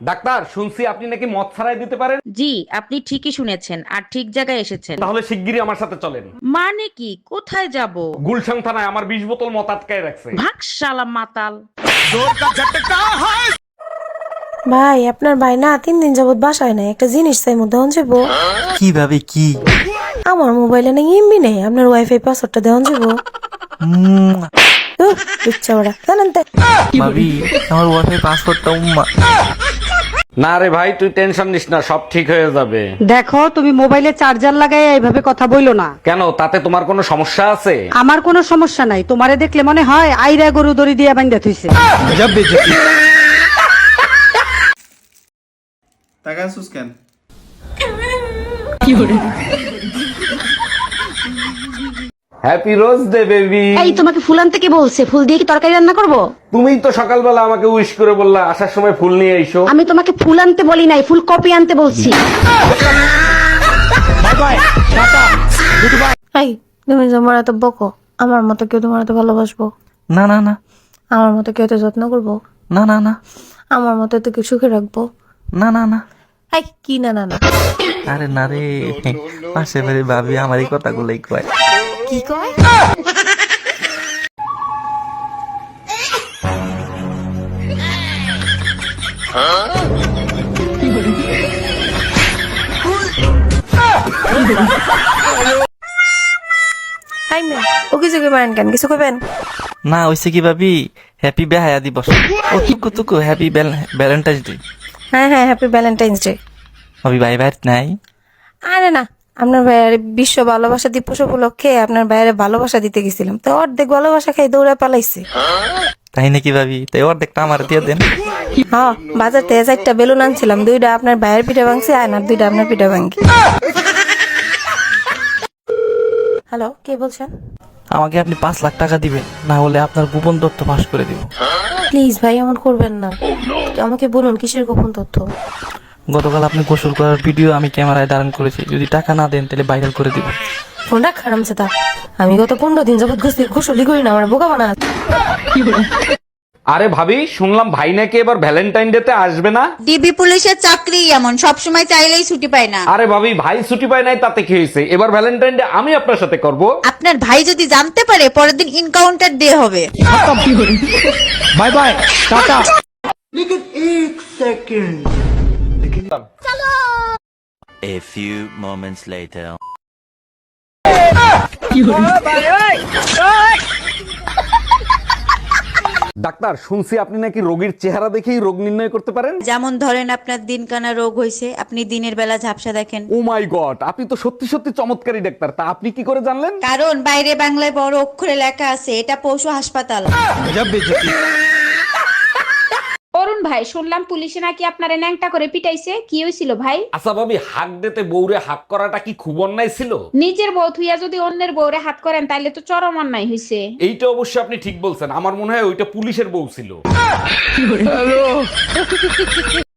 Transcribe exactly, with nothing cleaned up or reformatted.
Doctor, শুনছি আপনি নাকি মদ ছাড়াই দিতে পারেন। জি, আপনি ঠিকই শুনেছেন আর ঠিক জায়গায় এসেছেন। তাহলে শিগগিরই আমার সাথে চলেন। মানে কি, কোথায় যাব? গুলশান থানায় আমার বিশ বোতল মদ আটকায় রাখছে। ভাগ শালা মাতাল। ভাই আপনার ভাই না তিন দিন যাবত বাসায় নাই, একটা জিনিস চাই মধ্যে যাবো। কিভাবে কি? আমার মোবাইলে না এমবি নেই, আপনার ওয়াইফাই পাসওয়ার্ডটা দেওয়া যাবো। ইচ্ছা ওরা জানেন তো। ভাবি আমার ওয়াইফাই পাসওয়ার্ডটা উম্মা। না রে ভাই, তুই টেনশন নিস না, সব ঠিক হয়ে যাবে। দেখো, তুমি মোবাইলে চার্জার লাগাই এইভাবে কথা বইলো না। কেন, তাতে তোমার কোনো সমস্যা আছে? আমার কোনো সমস্যা নাই, তোমারে দেখলে মনে হয় আইরা গরু দড়ি দিয়ে বান্ধা থইছে। টাকা আসুস কেন? Happy rose day baby. এই তোমাকে ফুল আনতে কে বলছে? ফুল দিয়ে কি তরকারি রান্না করব? তুমিই তো সকালবেলা আমাকে উইশ করে বললা আসার সময় ফুল নিয়ে এসো। আমি তোমাকে ফুল আনতে বলি নাই, ফুল কপি আনতে বলছি। এই তুমি তোমার এত বকো, আমার মতো কেউ তোমার এত ভালোবাসবো? না না না আমার মতো কেউ এত যত্ন করবো? না না না আমার মতো এত কেউ সুখে রাখবো? না না না এই কি না না না আরে না রে, পাশে বাড়ি ভাবি আমার এই কথাগুলোই কয়। কি কয়? হাই মে ও কিছু কি মারেন কেন, কিছু কইবেন? না হইছে কি ভাবি, হ্যাপি বেহায়া দিবস। ও তুকু তুকু হ্যাপি ভ্যালেন্টাইন্স ডে। হ্যাঁ হ্যাঁ হ্যাপি ভ্যালেন্টাইন্স ডে। ভাবি ভাই ভাই নাই? আরে না, আপনার ভাইয়ের বিশ্ব ভালোবাসা দিবস উপলক্ষে আপনার ভাইয়ের ভালোবাসা দিতে গেছিলাম, তো অর্ধেক ভালোবাসা খাই দৌড়ে পালাইছে। তাই নাকি ভাবি? তাই অর্ধেকটা আমার দিয়ে দেন। হ্যাঁ, বাজার থেকে চারটা বেলুন আনছিলাম, দুইটা আপনার ভাইয়ের পিঠা ভাঙছি আর দুইটা আপনার পিঠা ভাঙি। হ্যালো, কে বলছেন? আমাকে আপনি পাঁচ লাখ টাকা দিবেন, না হলে আপনার গোপন তথ্য ফাঁস করে দিব। প্লিজ ভাই এমন করবেন না, আমাকে বলুন কিসের গোপন তথ্য? গতকাল আপনি গোসল করার ভিডিও আমি ক্যামেরায় ধারণ করেছি, যদি টাকা না দেন তাহলে ভাইরাল করে দিব। ফোনটা খারাপ সেটা, আমি গত পনেরো দিন যাবত গোসলি করি না, আমার বোকা বানা। আরে ভাবি, শুনলাম ভাই নাকি এবার ভ্যালেন্টাইন ডে তে আসবে না। ডিবি পুলিশের চাকরি এমন, সব সময় চাইলেই ছুটি পায় না। আরে ভাবি, ভাই ছুটি পায় নাই তাতে কি হয়েছে? এবার ভ্যালেন্টাইন ডে আমি আপনার সাথে করব। আপনার ভাই যদি জানতে পারে, পরের দিন ইনকাউন্টার ডে হবে। বাই বাই, টাটা। A few moments later. Doctor, শুনছি আপনি নাকি রোগীর চেহারা দেখেই রোগ নির্ণয় করতে পারেন। যেমন ধরেন, আপনার দিনকানা রোগ হয়েছে, আপনি দিনের বেলা ঝাপসা দেখেন। ও মাই গড, আপনি তো সত্যি সত্যি চমৎকারী ডাক্তার। তা আপনি কি করে জানলেন? কারণ বাইরে বাংলায় বড় অক্ষরে লেখা আছে, এটা পশু হাসপাতাল। অরুণ ভাই, শুনলাম পুলিশে নাকি আপনারে ন্যাংটা করে পিটাইছে, কি হয়েছিল ভাই? আচ্ছা ভাবি, হাক দিতে বউরে হাক করাটা কি খুব অন্যায় ছিল? নিজের বউ থুইয়া যদি অন্যের বউরে হাত করেন তাইলে তো চরম অন্যায় হইছে। এইটা অবশ্য আপনি ঠিক বলছেন, আমার মনে হয় ওইটা পুলিশের বউ ছিল।